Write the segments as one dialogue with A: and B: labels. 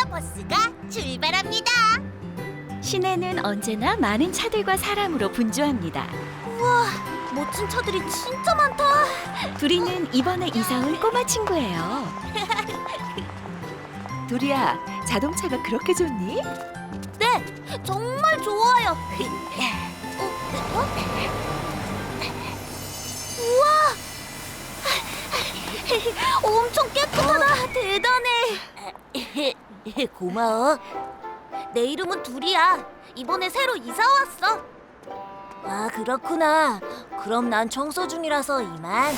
A: 버스가 출발합니다.
B: 시내는 언제나 많은 차들과 사람으로 분주합니다.
A: 우와, 멋진 차들이 진짜 많다.
B: 두리는 이번에 이사 온 꼬마 친구예요. 두리야, 자동차가 그렇게 좋니?
A: 네, 정말 좋아요. 우와, 엄청 깨끗하다. 대단해. 고마워. 내 이름은 두리야. 이번에 새로 이사 왔어. 아, 그렇구나. 그럼 난 청소 중이라서 이만.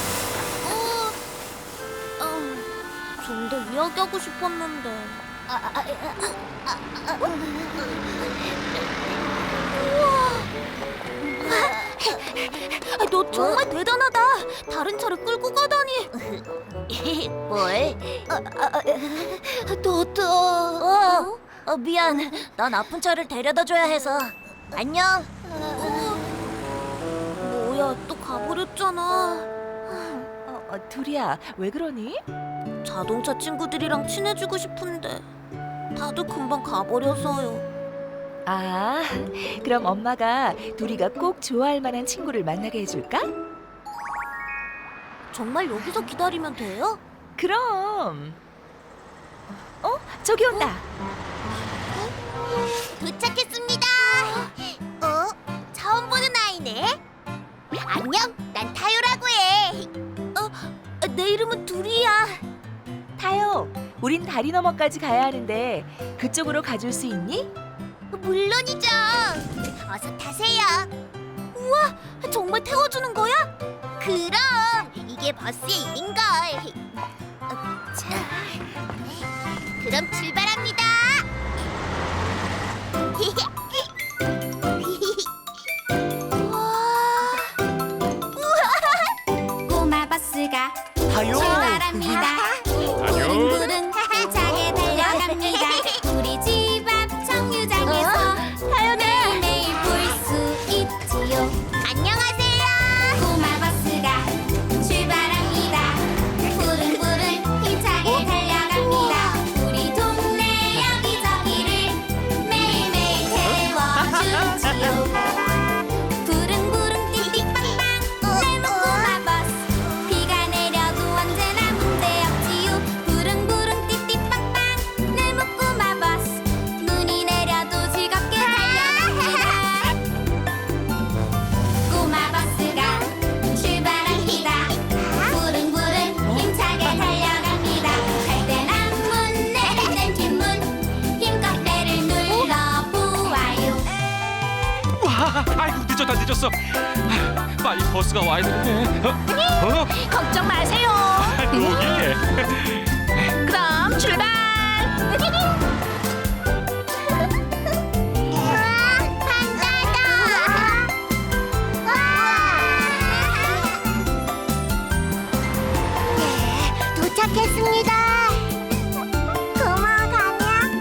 A: 좀 더 이야기하고 싶었는데. 우와. 너 정말 대단하다. 다른 차를 끌고 가다니. 뭘? 너도. 미안. 난 아픈 차를 데려다 줘야 해서. 안녕. 뭐야, 또 가버렸잖아.
B: 두리야, 왜 그러니?
A: 자동차 친구들이랑 친해지고 싶은데 다들 금방 가버려서요.
B: 아, 그럼 엄마가 두리가 꼭 좋아할 만한 친구를 만나게 해줄까?
A: 정말 여기서 기다리면 돼요?
B: 그럼. 저기 온다.
A: 도착했습니다. 처음 보는 아이네. 안녕, 난 타요라고 해. 내 이름은 두리야.
B: 타요, 우린 다리 너머까지 가야 하는데 그쪽으로 가줄 수 있니?
A: 물론이죠. 어서 타세요. 우와, 정말 태워주는 거야? 그럼 이게 버스의 일인걸. 자, 그럼 출발합니다.
C: 꼬마 버스가
D: 타요.
C: 출발합니다. 부릉부릉 힘차게 달려갑니다. 우리 집 앞 정류장에서 매일매일 볼 수 있지요.
A: 안녕하세요.
C: 꼬마 버스가 출발합니다. 부릉부릉 힘차게 달려갑니다. 우리 동네 여기저기를 매일매일 태워주지요. 부릉부릉 띠띠빵빵 내 꼬마 버스. 비가 내려도 언제나 문제없지요. 부릉부릉 띠띠빵빵 내 꼬마 버스. 눈이 내려도 즐겁게 달려갑니다. 꼬마 버스가 출발합니다. 부릉부릉 힘차게 달려갑니다. 갈 땐 앞문 내릴 땐 뒷문 힘껏 배를 눌러보아요.
D: 와, 아이고 늦었어. 아휴, 빨리 버스가 와야 되는데.
A: 걱정 마세요.
D: 여기에.
A: 그럼 출발. 도착했습니다. 고마워, 가냐?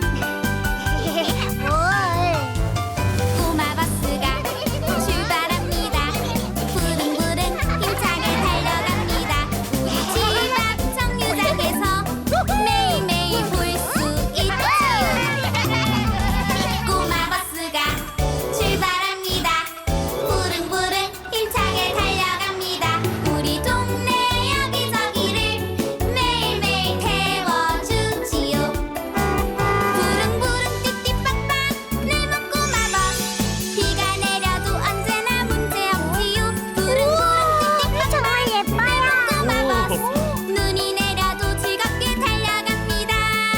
C: 꼬마 버스가 출발합니다. 부릉부릉 힘차게 달려갑니다. 우리 집 앞 정류장에서 매일매일 볼 수 있지요. 꼬마 버스가 출발합니다. 부릉부릉 힘차게 달려갑니다. 우리 동네 여기저기를 매일매일 태워주지요. 부릉부릉 띠띠빵빵 내 꼬마 버스. 비가 내려도 언제나 문제없지요. 부릉부릉 띠띠빵빵 내 꼬마 버스. 눈이 내려도 즐겁게 달려갑니다.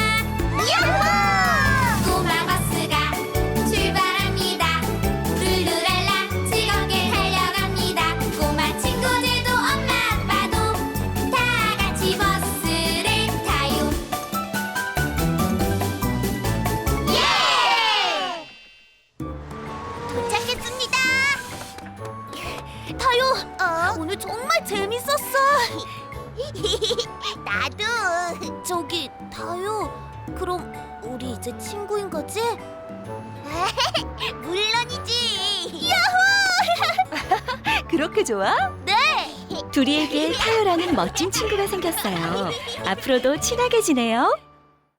C: 꼬마 버스가 출발합니다. 룰루랄라 즐겁게 달려갑니다. 꼬마 친구들도 엄마 아빠도 다 같이 버스를 타요. 예!
A: 도착했습니다. 타요, 오늘 정말 재밌었어. 나도. 저기 타요, 그럼 우리 이제 친구인 거지? 물론이지. 야호!
B: 그렇게 좋아?
A: 네.
B: 두리에게 타요라는 멋진 친구가 생겼어요. 앞으로도 친하게 지내요.